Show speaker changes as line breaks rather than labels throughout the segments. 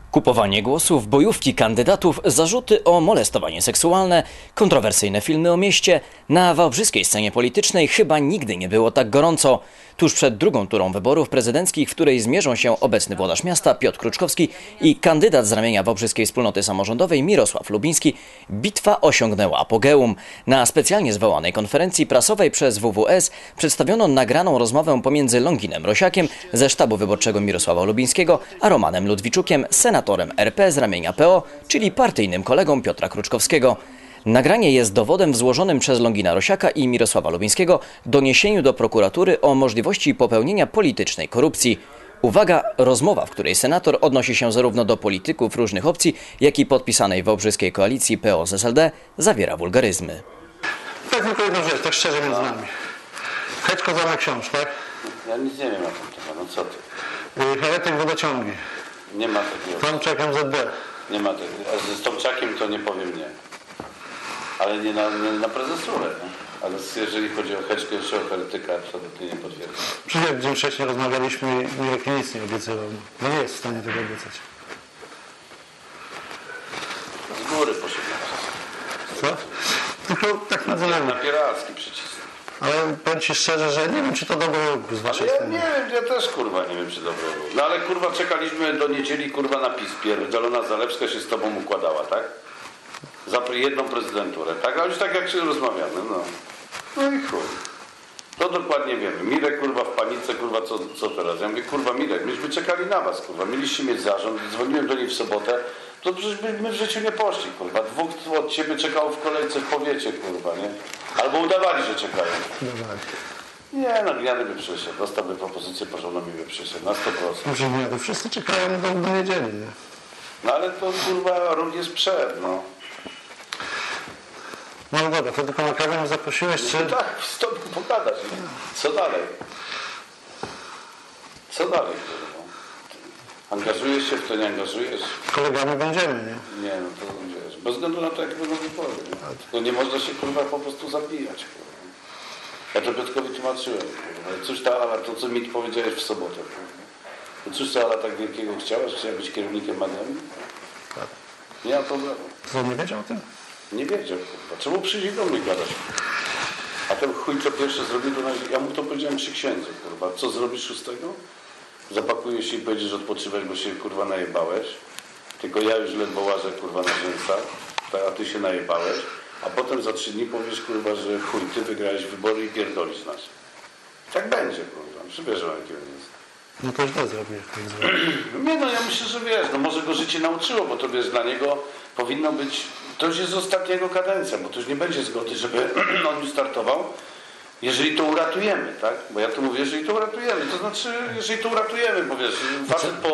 Kupowanie głosów, bojówki kandydatów, zarzuty o molestowanie seksualne, kontrowersyjne filmy o mieście. Na wałbrzyskiej scenie politycznej chyba nigdy nie było tak gorąco. Tuż przed drugą turą wyborów prezydenckich, w której zmierzą się obecny włodarz miasta Piotr Kruczkowski i kandydat z ramienia wałbrzyskiej wspólnoty samorządowej Mirosław Lubiński, bitwa osiągnęła apogeum. Na specjalnie zwołanej konferencji prasowej przez WWS przedstawiono nagraną rozmowę pomiędzy Longinem Rosiakiem ze sztabu wyborczego Mirosława Lubińskiego, a Romanem Ludwiczukiem, senatorem RP z ramienia PO, czyli partyjnym kolegą Piotra Kruczkowskiego. Nagranie jest dowodem w złożonym przez Longina Rosiaka i Mirosława Lubińskiego doniesieniu do prokuratury o możliwości popełnienia politycznej korupcji. Uwaga, rozmowa, w której senator odnosi się zarówno do polityków różnych opcji, jak i podpisanej wałbrzyskiej koalicji PO z SLD, zawiera wulgaryzmy.
Tak, tylko jedną rzecz, tak szczerze między nami. Heczko zamek książ, tak?
Ja nic nie wiem na ten temat, no co ty?
Heretyk wodociągi.
Nie ma takiego.
Tomczak MZD.
Nie ma takiego. A z Tomczakiem to nie powiem nie. Ale nie na prezesurę. Nie? Ale jeżeli chodzi o Heczkę, jeszcze o heretyka, absolutnie nie potwierdzam.
Przecież dzień wcześniej rozmawialiśmy i Mirek nic nie obiecywał. No nie jest w stanie tego obiecać.
Z góry poszedłem.
Co? Tylko tak między nami.
Napieralski przycisk.
Ale powiem Ci szczerze, że nie wiem, czy to dobry ruch z Waszej
Ja
strony.
nie wiem, ja też kurwa nie wiem, czy dobry był. No ale kurwa czekaliśmy do niedzieli kurwa na PiS. Zielona Zalewska się z tobą układała, tak? Za jedną prezydenturę, tak? A już tak jak się rozmawiamy, no. No i chuj. To dokładnie wiemy. Mirek kurwa w panice, kurwa co teraz? Ja mówię, kurwa Mirek, myśmy czekali na was, kurwa. Mieliście mieć zarząd, dzwoniłem do niej w sobotę, to przecież my w życiu nie poszli, kurwa. Dwóch od ciebie czekało w kolejce w powiecie, kurwa, nie? Albo udawali, że czekają. Nie, no Gniady by przyszedł. Dostałby propozycję porządną i by przyszedł. Na 100%.
Może nie, to wszyscy czekają do niedzieli, nie?
No ale to kurwa rok jest przed, no.
No dobra, to tylko na kawę mnie zaprosiłeś, czy...
No tak, stąd pogadać. Nie? Co dalej? Co dalej, kurwa? Angażujesz się w to, nie angażujesz?
Kolegami będziemy, nie?
Nie, no to wiesz. Bez względu na to, jak będą wybory. Tylko nie można się kurwa po prostu zabijać, kurwa. Ja to Piotrkowi tłumaczyłem, kurwa. Cóż ta Ala, to co mi powiedziałeś w sobotę, kurwa. To cóż ta Ala tak wielkiego chciałaś? Chciała być kierownikiem Magami?
Tak.
Nie ma problemu.
Co, nie wiedział o tym?
Nie wiedział, kurwa. Czemu przyjdzie do mnie gadać? A ten chuj co pierwszy zrobił, to ja mu to powiedziałem przy księdzu, kurwa. Co zrobisz 6? Zapakujesz się i powiedziesz, że odpoczywać, bo się kurwa najebałeś. Tylko ja już ledwo łażę kurwa na rzęsach, a ty się najebałeś. A potem za 3 dni powiesz kurwa, że chuj, ty wygrałeś wybory i pierdolisz nas. Tak będzie, kurwa. Przybierzę jakiego jest.
No to źle zrobiłeś.
Nie no, ja myślę, że wiesz, no może go życie nauczyło, bo to wiesz, dla niego powinno być, to już jest ostatnia jego kadencja, bo to już nie będzie zgody, żeby on już startował, jeżeli to uratujemy, tak? Bo ja to mówię, jeżeli to uratujemy, to znaczy, jeżeli to uratujemy, bo wiesz, facet po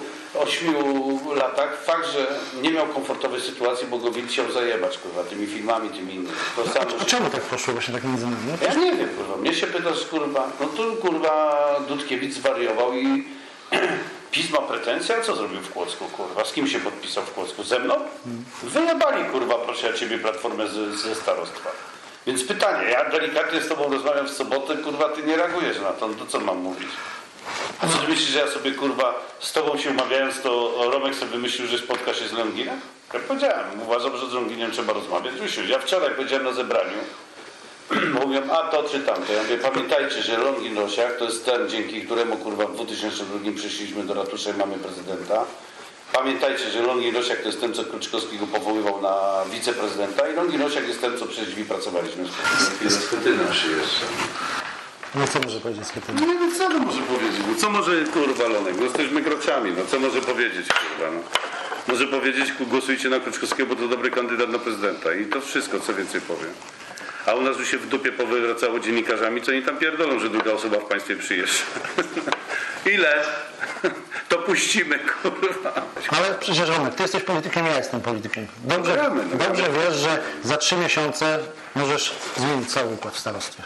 8 latach, fakt, że nie miał komfortowej sytuacji, bo go widz chciał zajebać, kurwa, tymi filmami, tymi innymi. To samo,
A czemu tak poszło właśnie tak między nami?
ja nie wiem, kurwa, mnie się pytasz, kurwa, no to kurwa Dudkiewicz zwariował i PiS ma pretensje, a co zrobił w Kłodzku, kurwa? Z kim się podpisał w Kłodzku? Ze mną? Wyjebali, kurwa, proszę ja ciebie, Platformę ze starostwa. Więc pytanie, ja delikatnie z tobą rozmawiam w sobotę, kurwa, ty nie reagujesz na to, no to co mam mówić? A co ty myślisz, że ja sobie, kurwa, z tobą się umawiając, to Romek sobie wymyślił, że spotka się z Longinem? Jak powiedziałem, uważam, że z Longinem trzeba rozmawiać. Ja wczoraj powiedziałem na zebraniu, mówią, a to czy tamto. Ja mówię, pamiętajcie, że Longin Rosiak to jest ten, dzięki któremu, kurwa, w 2002 przyszliśmy do ratusza i mamy prezydenta. Pamiętajcie, że Longin Rosiak to jest ten, co Kruczkowskiego powoływał na wiceprezydenta i Longin Rosiak jest ten, co przez drzwi pracowaliśmy. Z Schetyna przyjeżdża.
No co może powiedzieć z Schetyna?
No co to może powiedzieć? No, co może, kurwa, Lonek? No jesteśmy grociami, no co może powiedzieć, kurwa, no? Może powiedzieć, głosujcie na Kruczkowskiego, bo to dobry kandydat na prezydenta i to wszystko, co więcej powiem. A u nas już się w dupie powracało dziennikarzami, co oni tam pierdolą, że druga osoba w państwie przyjeżdża. Ile? To puścimy, kurwa.
Ale przecież Romek, ty jesteś politykiem, ja jestem politykiem. Dobrze wiesz, że za 3 miesiące możesz zmienić cały układ w starostwie.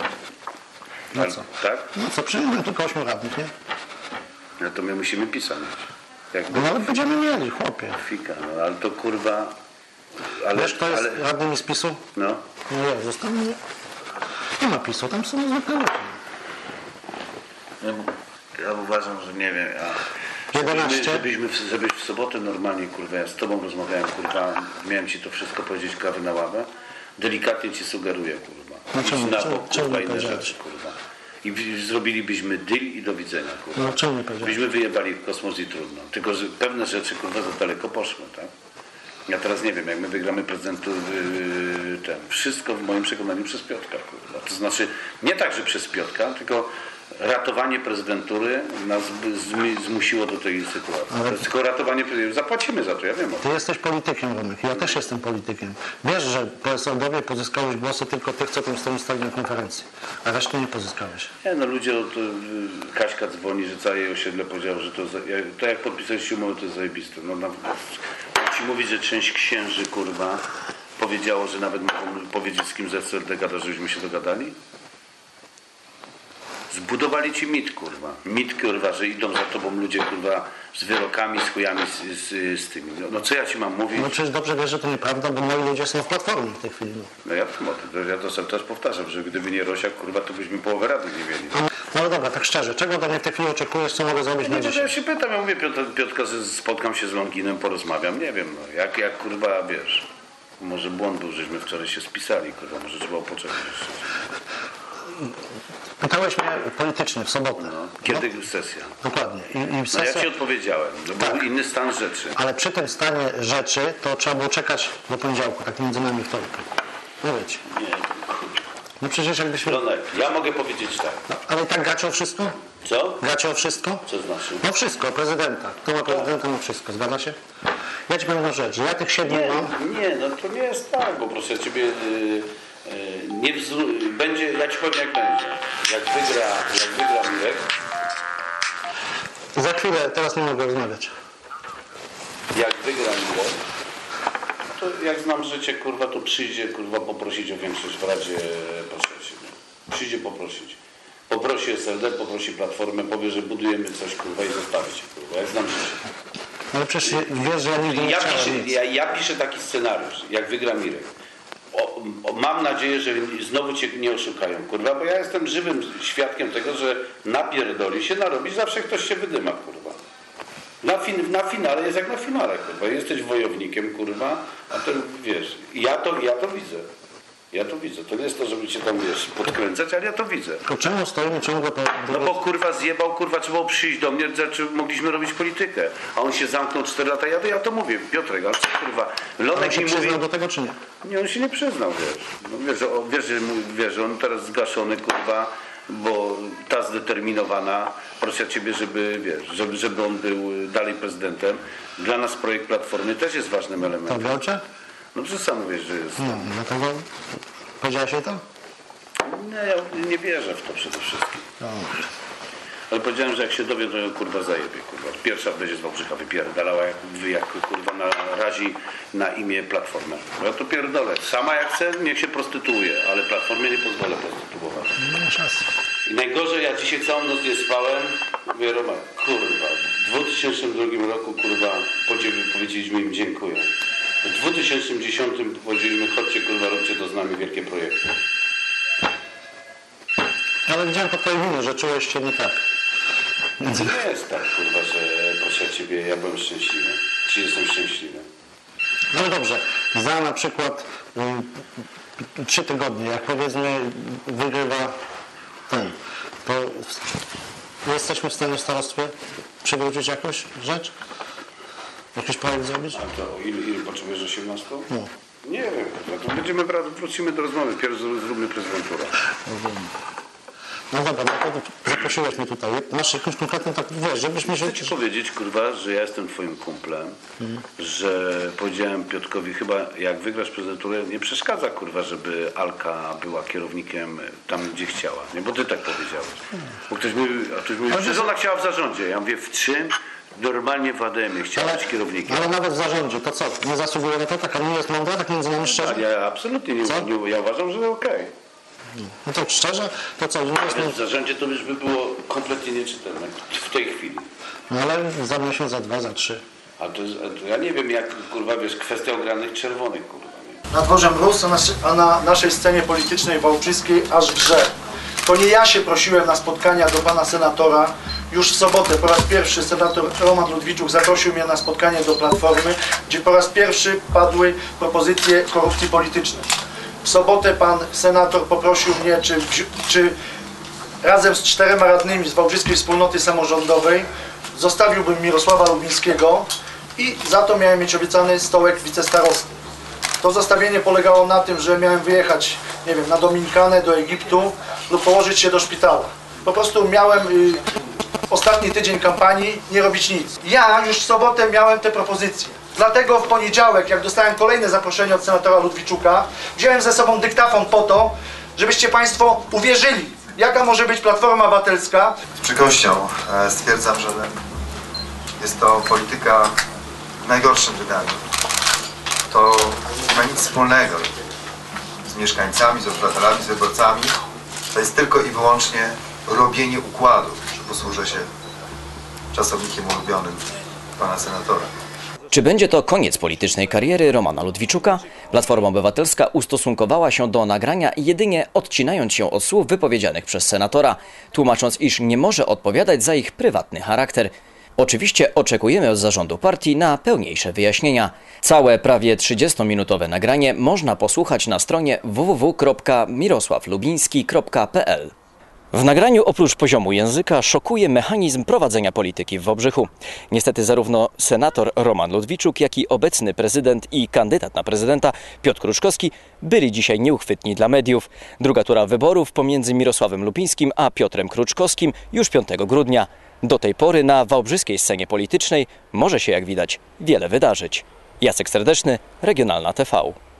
No co?
Tak?
No co, przyjmiemy tylko 8 radnych, nie?
No to my musimy pisać.
No nawet będziemy mieli, chłopie.
Fika, no ale to kurwa... Ale,
wiesz, kto jest radnymi z PiS-u?
No.
No ja zostałem. Nie ma PiS-u, tam są zwykłe ludzie.
Ja uważam, że nie wiem,
11.
Żebyś w sobotę normalnie, kurwa, ja z tobą rozmawiałem, kurwa, miałem ci to wszystko powiedzieć, kawy na ławę, delikatnie ci sugeruję, kurwa.
Czemu?
Idź na bok,
Czemu
kurwa,
nie
inne
powiedziałeś?
rzeczy, kurwa. I zrobilibyśmy deal i do widzenia, kurwa.
No czemu nie powiedziałeś?
Byśmy wyjebali w kosmos i trudno. Tylko, że pewne rzeczy, kurwa, za daleko poszły, tak? Ja teraz nie wiem, jak my wygramy prezydentów, wszystko w moim przekonaniu przez Piotrka, kurwa. To znaczy, nie tak, że przez Piotrka, tylko ratowanie prezydentury nas zmusiło do tej sytuacji.
Ale...
To jest tylko ratowanie prezydentury. Zapłacimy za to, ja wiem o tym.
Ty jesteś politykiem, Romek. Ja też jestem politykiem. Wiesz, że PSL-owie pozyskałeś głosy tylko tych, co tam stali na konferencji. A reszty nie pozyskałeś.
Nie, no ludzie, Kaśka dzwoni, że całe jej osiedle powiedział, że to jak podpisaliście umowę, to jest zajebiste. No, ci mówić, że część księży, kurwa, powiedziało, że nawet mogą powiedzieć, z kim z SLD gada, żebyśmy się dogadali? Zbudowali ci mit, kurwa. Mit, kurwa, że idą za tobą ludzie, kurwa, z wyrokami, z chujami, z tymi. No co ja ci mam mówić?
No przecież dobrze wiesz, że to nieprawda, bo moi ludzie są w Platformie w tej chwili.
No ja wiem o tym, ja to sobie też powtarzam, że gdyby nie Rosiak, kurwa, to byśmy połowę rady nie mieli.
No ale dobra, tak szczerze, czego ode mnie w tej chwili oczekujesz, co mogę zrobić na
No to
dzisiaj?
ja się pytam, ja mówię Piotrka, że spotkam się z Longinem, porozmawiam, nie wiem, no, jak kurwa, wiesz, może błąd był, żeśmy wczoraj się spisali, kurwa, może trzeba było poczekać jeszcze.
Pytałeś mnie politycznie w sobotę.
No, kiedy sesja?
Dokładnie. I
No
sesja...
ja ci odpowiedziałem, że był inny stan rzeczy.
Ale przy tym stanie rzeczy to trzeba było czekać do poniedziałku, tak między nami wtorku. No wiecie.
Nie,
No przecież jakbyśmy...
Lonek, ja mogę powiedzieć tak.
No, ale i tak gacie o wszystko?
Co?
Gacie o wszystko?
Co znaczy?
No wszystko, prezydenta. Kto ma prezydenta, ma wszystko. Zgadza się? Ja ci powiem jedną rzecz, że ja tych 7 mam...
Nie, no to nie jest tak, bo proszę ciebie, będzie, ja ci powiem jak będzie. Jak wygra Mirek,
Za chwilę, teraz nie mogę rozmawiać.
jak wygra Mirek, to jak znam życie, kurwa, to przyjdzie, kurwa, poprosić o większość w Radzie Poselskiej. Przyjdzie poprosić. Poprosi SLD, poprosi Platformę, powie, że budujemy coś, kurwa, i zostawi cię, kurwa, jak znam życie.
Ale przecież wiesz, że ja nigdy nie chciałem nic.
Ja piszę taki scenariusz, jak wygra Mirek. Mam nadzieję, że znowu cię nie oszukają, kurwa, bo ja jestem żywym świadkiem tego, że napierdoli się, narobi, zawsze ktoś się wydyma, kurwa. Na finale jest jak na finale, kurwa. Jesteś wojownikiem, kurwa, a to wiesz, ja to widzę. Ja to widzę. To nie jest to, żeby cię tam, wiesz, podkręcać, ale ja to widzę.
To czemu stoimy ciągle po...
No bo kurwa zjebał, kurwa, trzeba było przyjść do mnie, znaczy mogliśmy robić politykę. A on się zamknął 4 lata, ja to mówię, Piotrek, ale co kurwa,
On
Lonek
się
mi mówi...
przyznał do tego, czy nie?
Nie, on się nie przyznał, wiesz. No, wiesz, że on teraz zgaszony, kurwa, bo ta zdeterminowana, proszę ciebie, żeby, wiesz, żeby on był dalej prezydentem. Dla nas projekt Platformy też jest ważnym
To
elementem.
wielcze?
No przecież sam mówisz, że jest...
No, dlatego... Powiedziałeś jej to?
Nie, ja nie wierzę w to przede wszystkim.
No.
Ale powiedziałem, że jak się dowie, to ją kurwa zajebie, kurwa. Pierwsza będzie z Wałbrzycha wypierdalała, jak kurwa narazi na imię Platformę. No ja to pierdolę. Sama jak chce, niech się prostytuuje, ale Platformie nie pozwolę prostytuować.
Nie masz racji.
I najgorzej, ja dzisiaj całą noc nie spałem. Mówię, Roman, kurwa, w 2002 roku, kurwa, powiedzieliśmy im dziękuję. W 2010 powiedzieliśmy, chodźcie, kurwa, róbcie to z nami wielkie projekty.
Ale widziałem po twojej minie, że czułeś się nie tak. Więc...
To nie jest tak, kurwa, że proszę ciebie, ja byłem szczęśliwy. Czy jestem szczęśliwy?
No dobrze, za na przykład 3 tygodnie, jak powiedzmy wygrywa ten, to jesteśmy w stanie w starostwie przywrócić jakąś rzecz? Jakiś projekt zrobić?
A to ile potrzebujesz 18?
No.
Nie wiem, kurwa, to wrócimy do rozmowy. Pierw zróbmy prezydenturę.
No dobra, no to zaprosiłeś mnie tutaj. Masz jakąś konkretną tak, wiesz, żebyśmy się...
Chcę ci powiedzieć, kurwa, że ja jestem twoim kumplem, że powiedziałem Piotrkowi, chyba jak wygrasz prezydenturę, nie przeszkadza, kurwa, żeby Alka była kierownikiem tam, gdzie chciała. Nie, bo ty tak powiedziałeś. Bo ktoś mówił, że ona chciała w zarządzie. Ja mówię, w czym? Normalnie w ADM-ie chciała być kierownikiem.
Ale nawet w zarządzie, to co? Nie zasługuje na to? Taka nie jest mądra, tak między nami szczerze?
Ja absolutnie nie, ja uważam, że okej.
No to szczerze, to co? Nie jest...
W zarządzie to już by było kompletnie nieczytelne w tej chwili.
No ale za miesiąc, za 2, za 3.
A to ja nie wiem, jak, kurwa, wiesz, kwestia ogranych czerwonych, kurwa. Nie?
Na dworze mróz, a na naszej scenie politycznej wałbrzyskiej aż grze. To nie ja się prosiłem na spotkania do pana senatora, już w sobotę po raz pierwszy senator Roman Ludwiczuk zaprosił mnie na spotkanie do Platformy, gdzie po raz pierwszy padły propozycje korupcji politycznej. W sobotę pan senator poprosił mnie, czy razem z 4 radnymi z Wałbrzyskiej Wspólnoty Samorządowej zostawiłbym Mirosława Lubińskiego i za to miałem mieć obiecany stołek wicestarosty. To zostawienie polegało na tym, że miałem wyjechać, nie wiem, na Dominikanę, do Egiptu lub położyć się do szpitala. Po prostu miałem ostatni tydzień kampanii nie robić nic. Ja już w sobotę miałem te propozycje. Dlatego w poniedziałek, jak dostałem kolejne zaproszenie od senatora Ludwiczuka, wziąłem ze sobą dyktafon po to, żebyście Państwo uwierzyli, jaka może być Platforma Obywatelska.
Z przykrością stwierdzam, że jest to polityka w najgorszym wydaniu. To nie ma nic wspólnego z mieszkańcami, z obywatelami, z wyborcami. To jest tylko i wyłącznie robienie układów, że posłużę się czasownikiem ulubionym pana senatora.
Czy będzie to koniec politycznej kariery Romana Ludwiczuka? Platforma Obywatelska ustosunkowała się do nagrania jedynie odcinając się od słów wypowiedzianych przez senatora, tłumacząc, iż nie może odpowiadać za ich prywatny charakter. Oczywiście oczekujemy od zarządu partii na pełniejsze wyjaśnienia. Całe prawie 30-minutowe nagranie można posłuchać na stronie www.mirosławlubiński.pl. W nagraniu oprócz poziomu języka szokuje mechanizm prowadzenia polityki w Wałbrzychu. Niestety zarówno senator Roman Ludwiczuk, jak i obecny prezydent i kandydat na prezydenta Piotr Kruczkowski byli dzisiaj nieuchwytni dla mediów. Druga tura wyborów pomiędzy Mirosławem Lubińskim a Piotrem Kruczkowskim już 5 grudnia. Do tej pory na wałbrzyskiej scenie politycznej może się, jak widać, wiele wydarzyć. Jacek Serdeczny, Regionalna TV.